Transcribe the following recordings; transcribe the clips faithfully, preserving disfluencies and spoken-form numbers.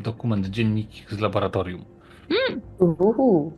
dokument, dziennik z laboratorium. Mm. Uhu.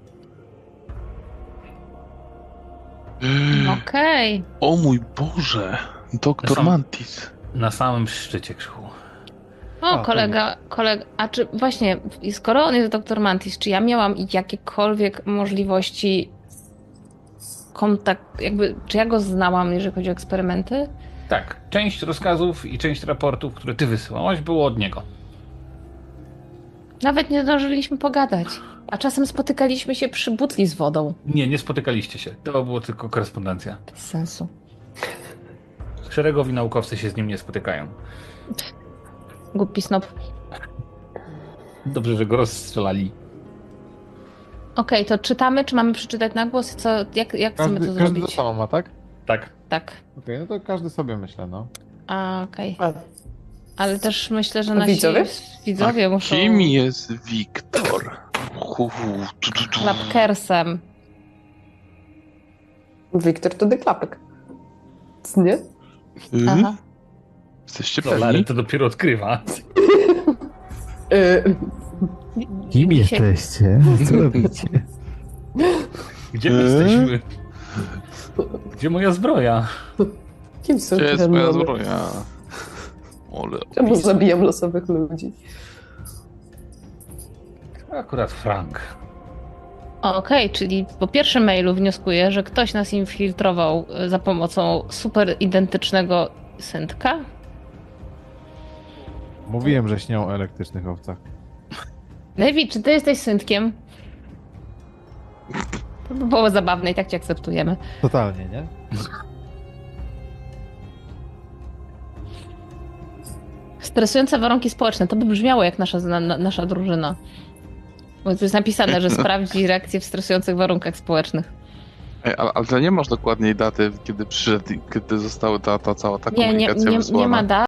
Mm. Okej. Okay. O mój Boże, doktor Sam- Mantis. Na samym szczycie krzyku. O, A, kolega, kolega, a czy właśnie, skoro on jest doktor Mantis, czy ja miałam jakiekolwiek możliwości kontakt, jakby, czy ja go znałam, jeżeli chodzi o eksperymenty? Tak, część rozkazów i część raportów, które ty wysyłałaś, było od niego. Nawet nie zdążyliśmy pogadać, a czasem spotykaliśmy się przy butli z wodą. Nie, nie spotykaliście się. To było tylko korespondencja. Bez sensu. Szeregowi naukowcy się z nim nie spotykają. Głupi snop. Dobrze, że go rozstrzelali. Okej, to czytamy, czy mamy przeczytać na głos? Co, jak, jak chcemy Każdy, to każdy to zrobić? samo ma, tak? Tak. Tak. Okej, no to każdy sobie myślę, no. A, okej. A, Ale też myślę, że A nasi widzowie? widzowie muszą... Kim jest Wiktor? Hu, hu, tu, tu, tu. Klapkersem. Wiktor to deklapek. Nie? Y? Aha. Jesteście No, Larry pewni? to dopiero odkrywa. Y, Kim Dzisiaj- jesteście? Co robicie? Gdzie my Eee? jesteśmy? Gdzie moja zbroja? Kim są Gdzie te jest moja demony? zbroja? Ole, Czemu opis. zabijam losowych ludzi? Akurat Frank. Okej, czyli po pierwszym mailu wnioskuję, że ktoś nas infiltrował e, za pomocą super identycznego syntka. Mówiłem, że śnią o elektrycznych owcach. Lewi, czy ty jesteś syntkiem? To by było zabawne i tak cię akceptujemy. Totalnie, nie? Stresujące warunki społeczne, to by brzmiało jak nasza, na, na, nasza drużyna. Bo tu jest napisane, że sprawdzi reakcję w stresujących warunkach społecznych. Ej, ale, ale to nie masz dokładniej daty, kiedy przyszedł, i kiedy została ta, ta cała ta Nie, nie, komunikacja nie, wysłana. nie ma dat.